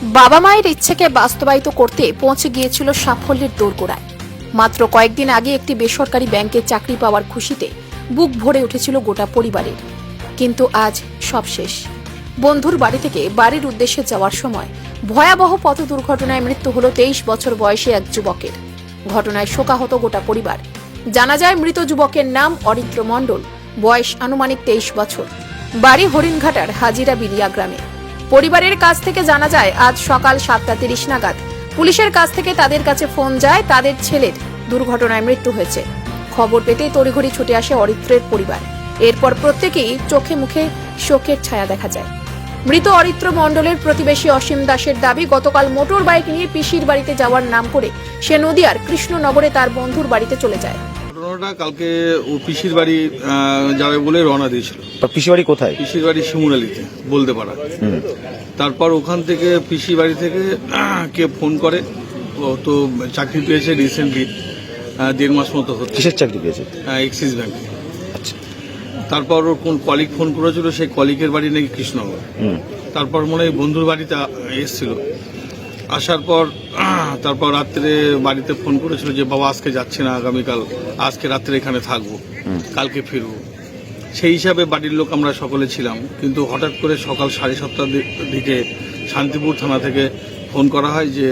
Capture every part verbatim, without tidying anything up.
বাবা মায়ের ইচ্ছেকে বাস্তবায়িত করতে পৌঁছে গিয়েছিল সাফল্যের দোরগোড়ায়। মাত্র কয়েকদিন আগে একটি বেসরকারি ব্যাংকে চাকরি পাওয়ার খুশিতে বুক ভরে উঠেছিল গোটা পরিবারের। কিন্তু আজ সব শেষ। বন্ধুর বাড়ি থেকে বাড়ির উদ্দেশ্যে যাওয়ার সময় ভয়াবহ পথ দুর্ঘটনায় মৃত্যু হল তেইশ বছর বয়সী এক যুবকের। ঘটনায় শোকাহত গোটা পরিবার। জানা যায় মৃত যুবকের নাম অরিত্র মণ্ডল, বয়স আনুমানিক তেইশ বছর, বাড়ি হরিণঘাটার হাজিরা বিলিয়া গ্রামে। পরিবারের কাছ থেকে জানা যায় আজ সকাল সাতটা তিরিশ নাগাদ পুলিশের কাছ থেকে তাদের কাছে ফোন যায় তাদের ছেলের দুর্ঘটনায় মৃত্যু হয়েছে। খবর পেতেই তড়িঘড়ি ছুটে আসে অরিত্রের পরিবার। এরপর প্রত্যেকেই চোখে মুখে শোকের ছায়া দেখা যায়। মৃত অরিত্র মণ্ডলের প্রতিবেশী অসীম দাসের দাবি, গতকাল মোটর বাইক নিয়ে পিসির বাড়িতে যাওয়ার নাম করে সে নদিয়ার কৃষ্ণনগরে তার বন্ধুর বাড়িতে চলে যায়। ঘটনাটা কালকে ও পিসির বাড়ি যাবে বলে রওনা দিয়েছিল। পিসির বাড়ি কোথায়? পিসির বাড়ি শিমুরালিতে, বলতে পারা। তারপর ওখান থেকে পিসির বাড়ি থেকে কে ফোন করে, ও তো চাকরি পেয়েছে রিসেন্টলি, দেড় মাস মতো হচ্ছে। কিসের চাকরি পেয়েছে? এক্সিস ব্যাংকে। আচ্ছা। তারপর ওর কোন কলিগ ফোন করেছিল, সেই কলিগের বাড়ি নাকি কৃষ্ণনগর। তারপর মনে হয় বন্ধুর বাড়িতে এসেছিল। আসার পর তারপর রাত্রে বাড়িতে ফোন করেছিল যে বাবা আজকে যাচ্ছে না, আগামীকাল, আজকে রাত্রে এখানে থাকবো, কালকে ফিরবো। সেই হিসাবে বাড়ির লোক আমরা সকলে ছিলাম। কিন্তু হঠাৎ করে সকাল সাড়ে সাতটার দিকে শান্তিপুর থানা থেকে ফোন করা হয় যে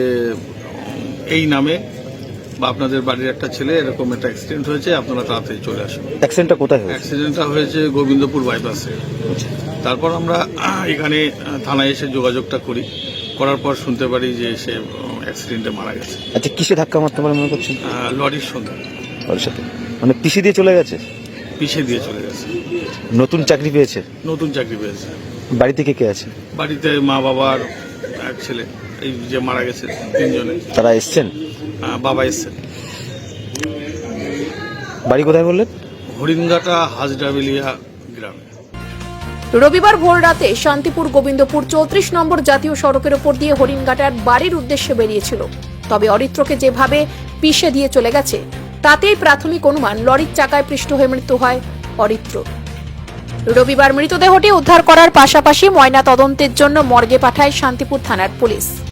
এই নামে বা আপনাদের বাড়ির একটা ছেলে এরকম একটা অ্যাক্সিডেন্ট হয়েছে, আপনারা তাড়াতাড়ি চলে আসুন। অ্যাক্সিডেন্টটা কোথায় হয়েছে? অ্যাক্সিডেন্টটা হয়েছে গোবিন্দপুর বাইপাসে। তারপর আমরা এখানে থানায় এসে যোগাযোগটা করি, করার পর শুনতে পারি যে সে অ্যাক্সিডেন্টে মারা গেছে। আচ্ছা, কিসে ধাক্কা মারতে পারে মনে করছেন? লরির সঙ্গে। লরির সাথে মানে পিসি দিয়ে চলে গেছে? পিছিয়ে দিয়ে চলে গেছে। নতুন চাকরি পেয়েছে? নতুন চাকরি পেয়েছে। বাড়ি থেকে কে আছে? বাড়িতে মা বাবার এক ছেলে, এই যে মারা গেছে তিনজনে। তারা এসছেন? বাবা এসছেন। বাড়ি কোথায় বললেন? হরিণঘাটা হাজরাবিলিয়া গ্রামে। রবিবার ভোর রাতে শান্তিপুর গোবিন্দপুর চৌত্রিশ নম্বর জাতীয় সড়কের ওপর দিয়ে হরিণঘাটার বাড়ির উদ্দেশ্যে বেরিয়েছিল। তবে অরিত্রকে যেভাবে পিষে দিয়ে চলে গেছে তাতেই প্রাথমিক অনুমান লরির চাকায় পৃষ্ঠ হয়ে মৃত্যু হয় অরিত্র। রবিবার মৃতদেহটি উদ্ধার করার পাশাপাশি ময়না তদন্তের জন্য মর্গে পাঠায় শান্তিপুর থানার পুলিশ।